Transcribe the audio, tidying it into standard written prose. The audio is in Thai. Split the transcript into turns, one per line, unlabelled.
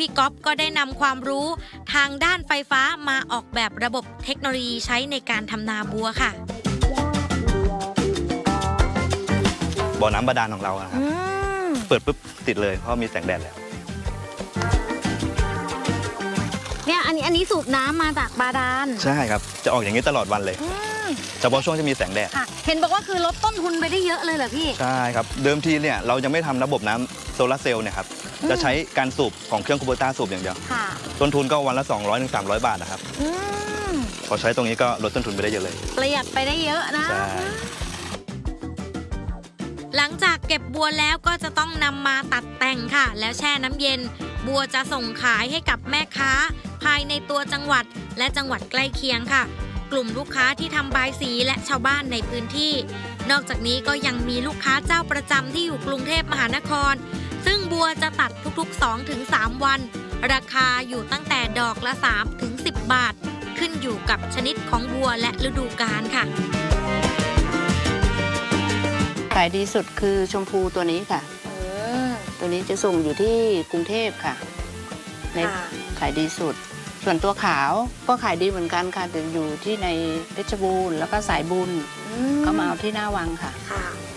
พี่ก๊อฟก็ได้นำความรู้ทางด้านไฟฟ้ามาออกแบบระบบเทคโนโลยีใช้ในการทำนาบัวค่ะ
บ่อน้ำบาดาลของเราครับเปิดปุ๊บติดเลยเพราะมีแสงแดดแล้ว
เนี่ยอันนี้สูบน้ำมาจากบาดาล
ใช่ครับจะออกอย่างนี้ตลอดวันเลยเฉพาะช่วงที่มีแสงแดด
ค่ะเห็นบอกว่าคือลดต้นทุนไปได้เยอะเลยเหรอพี่
ใช่ครับเดิมทีเนี่ยเรายังไม่ทำระบบน้ำโซลาร์เซลล์เนี่ยครับจะใช้การสูบของเครื่องคูโบต้าสูบอย่างเดียว
ค่ะ
ต้นทุนก็วันละ200-300 บาทนะครับพอใช้ตรงนี้ก็ลดต้นทุนไปได้เยอะเลย
ประหยัดไปได้เยอะนะ
ใช่
หลังจากเก็บบัวแล้วก็จะต้องนำมาตัดแต่งค่ะ แล้วแช่น้ำเย็น บัวจะส่งขายให้กับแม่ค้า ภายในตัวจังหวัดและจังหวัดใกล้เคียงค่ะ กลุ่มลูกค้าที่ทำบายสีและชาวบ้านในพื้นที่ นอกจากนี้ก็ยังมีลูกค้าเจ้าประจำที่อยู่กรุงเทพมหานคร ซึ่งบัวจะตัดทุกๆ 2-3 วัน ราคาอยู่ตั้งแต่ดอกละ3-10 บาท ขึ้นอยู่กับชนิดของบัวและฤดูกาลค่ะ
ขายดีสุดคือชมพูตัวนี้ค่ะ ตัวนี้จะส่งอยู่ที่กรุงเทพค่ะในขายดีสุด ส่วนตัวขาวก็ขายดีเหมือนกันค่ะแต่อยู่ที่ในเพชรบูรณ์แล้วก็สายบุญก็มาเอาที่หน้าวังค่ะ